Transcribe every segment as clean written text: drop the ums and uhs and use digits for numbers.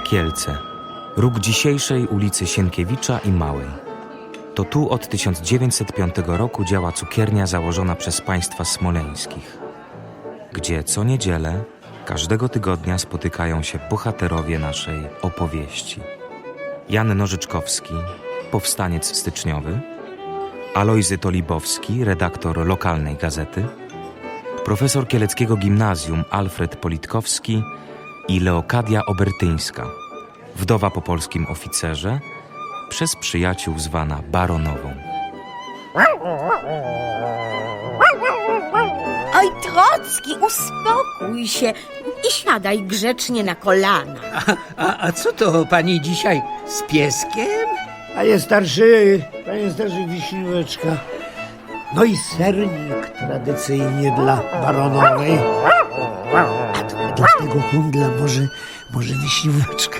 Kielce, róg dzisiejszej ulicy Sienkiewicza i Małej. To tu od 1905 roku działa cukiernia założona przez państwa smoleńskich, gdzie co niedzielę, każdego tygodnia spotykają się bohaterowie naszej opowieści. Jan Nożyczkowski, powstaniec styczniowy, Alojzy Tolibowski, redaktor lokalnej gazety, profesor kieleckiego gimnazjum Alfred Politkowski i Leokadia Obertyńska, wdowa po polskim oficerze, przez przyjaciół zwana baronową. Oj, Trocki, uspokój się i siadaj grzecznie na kolana. A co to pani dzisiaj z pieskiem? Panie starszy wiśnióweczka. No i sernik tradycyjnie dla baronowej. A to dla tego kundla może wiśnióweczka.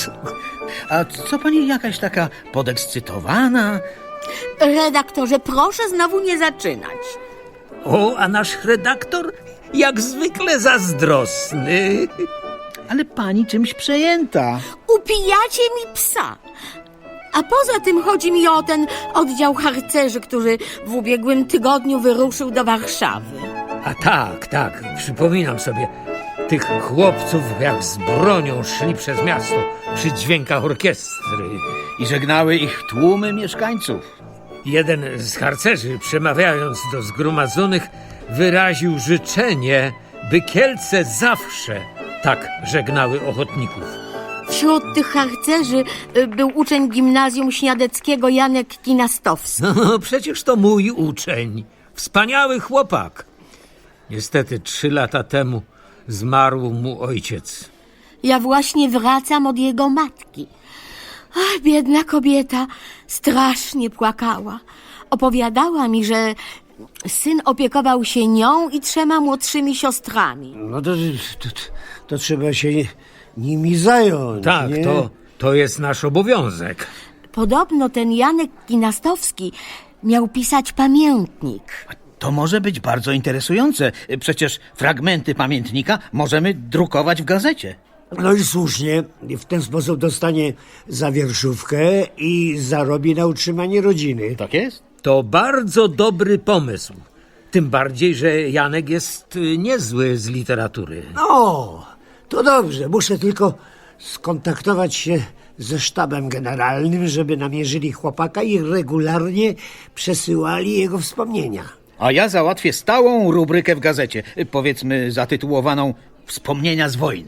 A co pani jakaś taka podekscytowana? Redaktorze, proszę znowu nie zaczynać. O, a nasz redaktor jak zwykle zazdrosny. Ale pani czymś przejęta. Upijacie mi psa. A poza tym chodzi mi o ten oddział harcerzy, który w ubiegłym tygodniu wyruszył do Warszawy. A tak, przypominam sobie. Tych chłopców jak z bronią szli przez miasto przy dźwiękach orkiestry. I żegnały ich tłumy mieszkańców. Jeden z harcerzy, przemawiając do zgromadzonych, wyraził życzenie, by Kielce zawsze tak żegnały ochotników. Wśród tych harcerzy był uczeń gimnazjum śniadeckiego Janek Kinastowski. No, przecież to mój uczeń. Wspaniały chłopak. Niestety 3 lata temu zmarł mu ojciec. Ja właśnie wracam od jego matki. Ach, biedna kobieta strasznie płakała. Opowiadała mi, że syn opiekował się nią i 3 młodszymi siostrami. No to trzeba się nimi zająć. Tak, nie? to jest nasz obowiązek. Podobno ten Janek Kinastowski miał pisać pamiętnik. To może być bardzo interesujące. Przecież fragmenty pamiętnika możemy drukować w gazecie. No i słusznie, w ten sposób dostanie za wierszówkę i zarobi na utrzymanie rodziny. Tak jest? To bardzo dobry pomysł. Tym bardziej, że Janek jest niezły z literatury. No, to dobrze. Muszę tylko skontaktować się ze sztabem generalnym, żeby namierzyli chłopaka i regularnie przesyłali jego wspomnienia. A ja załatwię stałą rubrykę w gazecie, powiedzmy zatytułowaną Wspomnienia z wojny.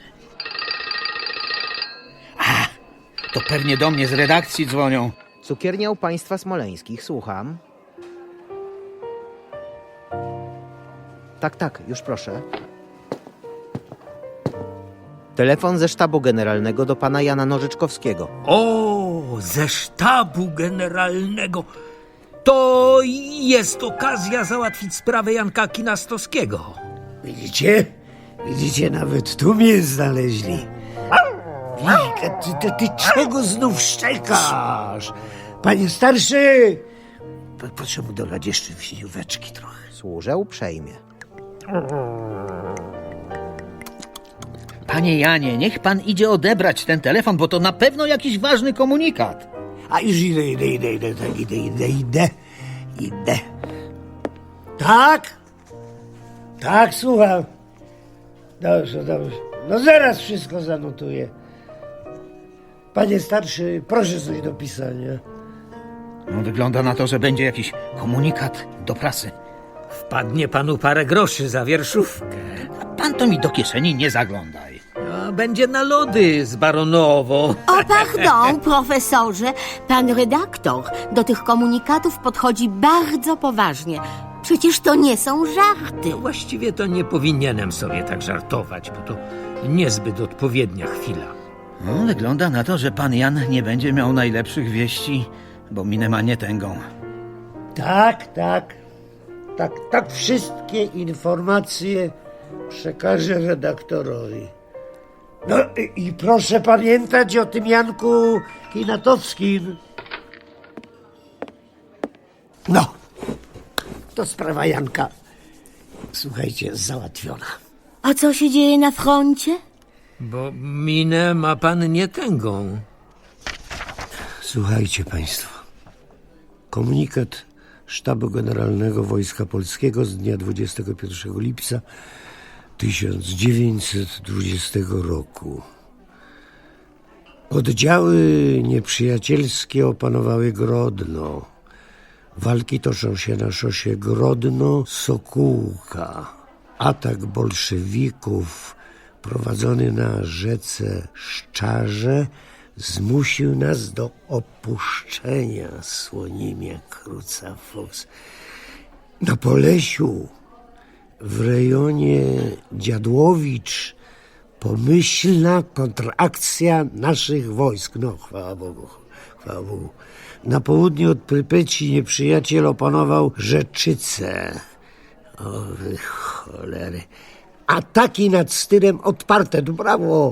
A, to pewnie do mnie z redakcji dzwonią. Cukiernia u państwa smoleńskich, słucham. Tak, już proszę. Telefon ze sztabu generalnego do pana Jana Nożyczkowskiego. O, ze sztabu generalnego. To jest okazja załatwić sprawę Janka Kinastowskiego. Widzicie, nawet tu mnie znaleźli. Wilka, ty czego znów szczekasz? Panie starszy, proszę mu dolać jeszcze wiśnióweczki trochę. Służę uprzejmie. Panie Janie, niech pan idzie odebrać ten telefon, bo to na pewno jakiś ważny komunikat. A już idę. Tak, słucham. Dobrze. No zaraz wszystko zanotuję. Panie starszy, proszę coś do pisania. No, wygląda na to, że będzie jakiś komunikat do prasy. Wpadnie panu parę groszy za wierszówkę. A pan to mi do kieszeni nie zaglądaj. A będzie na lody z baronową. O, pardon, profesorze. Pan redaktor do tych komunikatów podchodzi bardzo poważnie. Przecież to nie są żarty. Właściwie to nie powinienem sobie tak żartować, bo to niezbyt odpowiednia chwila. No, wygląda na to, że pan Jan nie będzie miał najlepszych wieści, bo minę ma nie tęgą. Tak, wszystkie informacje przekażę redaktorowi. No i proszę pamiętać o tym Janku Kinatowskim. No, to sprawa Janka, słuchajcie, załatwiona. A co się dzieje na froncie? Bo minę ma pan nietęgą. Słuchajcie państwo. Komunikat Sztabu Generalnego Wojska Polskiego z dnia 21 lipca 1920 roku. Oddziały nieprzyjacielskie opanowały Grodno. Walki toczą się na szosie Grodno-Sokółka. Atak bolszewików prowadzony na rzece Szczarze zmusił nas do opuszczenia Słonimia Kruca-Fox. Na Polesiu, w rejonie Dziadłowicz, pomyślna kontrakcja naszych wojsk. No, chwała Bogu, chwała Bogu. Na południe od Prypeci nieprzyjaciel opanował Rzeczycę. O wy cholery. Ataki nad Styrem odparte. No brawo.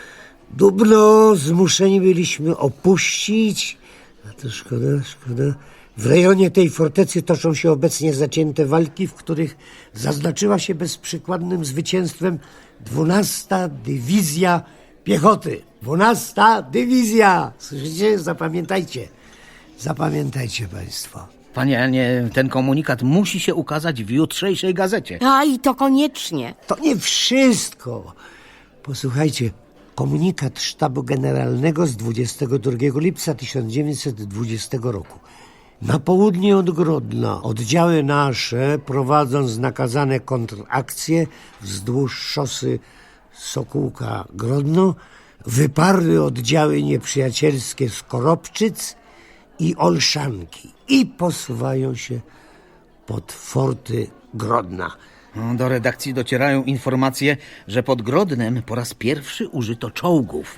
Dubno zmuszeni byliśmy opuścić. A to szkoda. W rejonie tej fortecy toczą się obecnie zacięte walki, w których zaznaczyła się bezprzykładnym zwycięstwem 12. Dywizja Piechoty. 12. Dywizja. Słyszycie? Zapamiętajcie. Zapamiętajcie państwo. Panie Janie, ten komunikat musi się ukazać w jutrzejszej gazecie. A i to koniecznie. To nie wszystko. Posłuchajcie. Komunikat Sztabu Generalnego z 22 lipca 1920 roku. Na południe od Grodna oddziały nasze, prowadząc nakazane kontrakcje wzdłuż szosy Sokółka-Grodno, wyparły oddziały nieprzyjacielskie z Koropczyc i Olszanki i posuwają się pod forty Grodna. Do redakcji docierają informacje, że pod Grodnem po raz pierwszy użyto czołgów.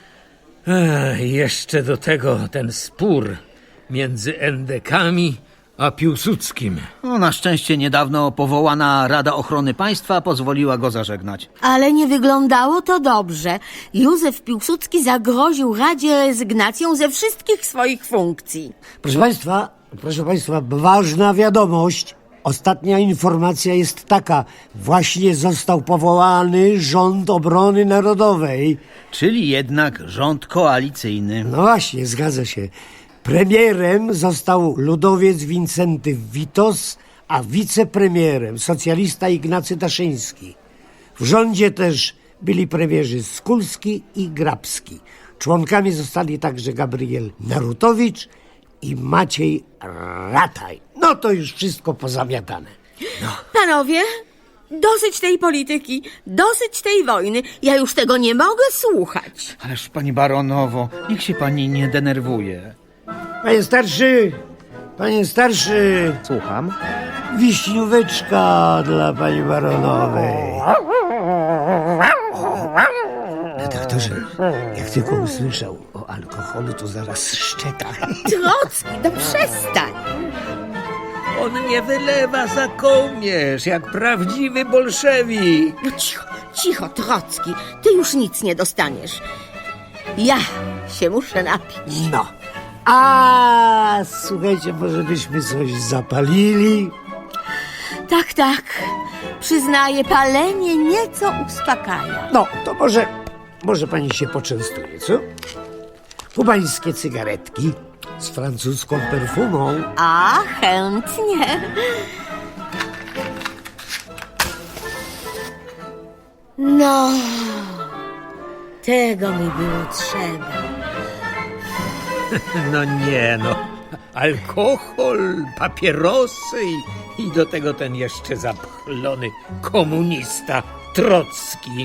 Jeszcze do tego ten spór między endekami a Piłsudskim. No, na szczęście niedawno powołana Rada Ochrony Państwa pozwoliła go zażegnać. Ale nie wyglądało to dobrze. Józef Piłsudski zagroził Radzie rezygnacją ze wszystkich swoich funkcji. Proszę Państwa, ważna wiadomość. Ostatnia informacja jest taka. Właśnie został powołany Rząd Obrony Narodowej. Czyli jednak rząd koalicyjny. No właśnie, zgadza się. Premierem został ludowiec Wincenty Witos, a wicepremierem socjalista Ignacy Daszyński. W rządzie też byli premierzy Skulski i Grabski. Członkami zostali także Gabriel Narutowicz i Maciej Rataj. No to już wszystko pozamiatane. Panowie, dosyć tej polityki, dosyć tej wojny. Ja już tego nie mogę słuchać. Ależ pani baronowo, niech się pani nie denerwuje. Panie starszy, Słucham. wiśnióweczka dla pani baronowej. Redaktorze, jak tylko usłyszał o alkoholu, to zaraz szczeka. Trocki, no przestań. On nie wylewa za kołnierz, jak prawdziwy bolszewik. No cicho, Trocki, ty już nic nie dostaniesz. Ja się muszę napić. No. A słuchajcie, może byśmy coś zapalili? Tak, przyznaję, palenie nieco uspokaja. No, to może pani się poczęstuje, co? Kubańskie cygaretki z francuską perfumą. A, chętnie. No, tego mi było trzeba. No nie no. Alkohol, papierosy i do tego ten jeszcze zapchlony komunista Trocki.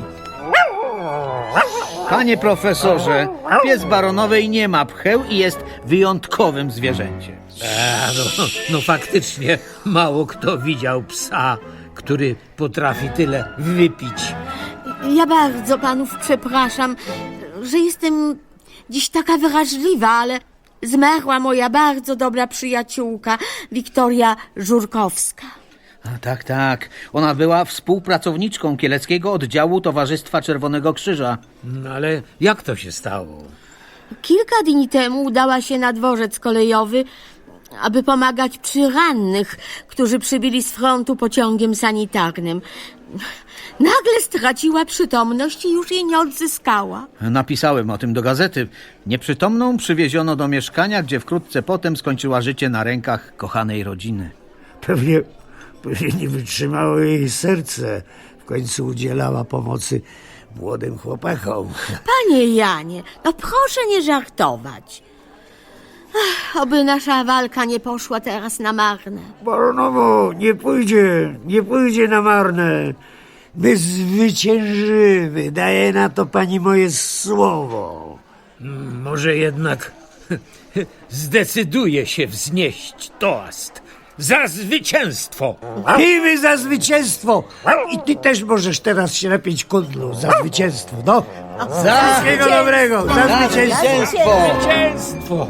Panie profesorze, pies baronowej nie ma pcheł i jest wyjątkowym zwierzęciem. No faktycznie mało kto widział psa, który potrafi tyle wypić. Ja bardzo panów przepraszam, że jestem dziś taka wrażliwa, ale zmarła moja bardzo dobra przyjaciółka, Wiktoria Żurkowska. A, tak. Ona była współpracowniczką kieleckiego oddziału Towarzystwa Czerwonego Krzyża. No ale jak to się stało? Kilka dni temu udała się na dworzec kolejowy, aby pomagać przy rannych, którzy przybyli z frontu pociągiem sanitarnym. Nagle straciła przytomność i już jej nie odzyskała. Napisałem o tym do gazety. Nieprzytomną przywieziono do mieszkania, gdzie wkrótce potem skończyła życie na rękach kochanej rodziny. Pewnie nie wytrzymało jej serce. W końcu udzielała pomocy młodym chłopakom. Panie Janie, no proszę nie żartować. Oby nasza walka nie poszła teraz na marne. Baronowo, nie pójdzie na marne. My zwyciężymy, daję na to pani moje słowo. Może jednak zdecyduje się wznieść toast za zwycięstwo. Pijmy za zwycięstwo! I ty też możesz teraz się napić kundlu za zwycięstwo, no. Wszystkiego dobrego, za zwycięstwo! Zwycięstwo!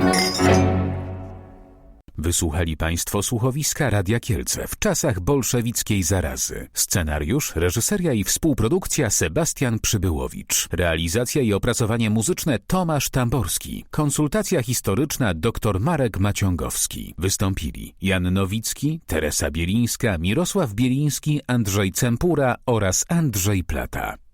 Wysłuchali Państwo słuchowiska Radia Kielce w czasach bolszewickiej zarazy. Scenariusz, reżyseria i współprodukcja Sebastian Przybyłowicz. Realizacja i opracowanie muzyczne Tomasz Tamborski. Konsultacja historyczna dr Marek Maciągowski. Wystąpili Jan Nowicki, Teresa Bielińska, Mirosław Bieliński, Andrzej Cempura oraz Andrzej Plata.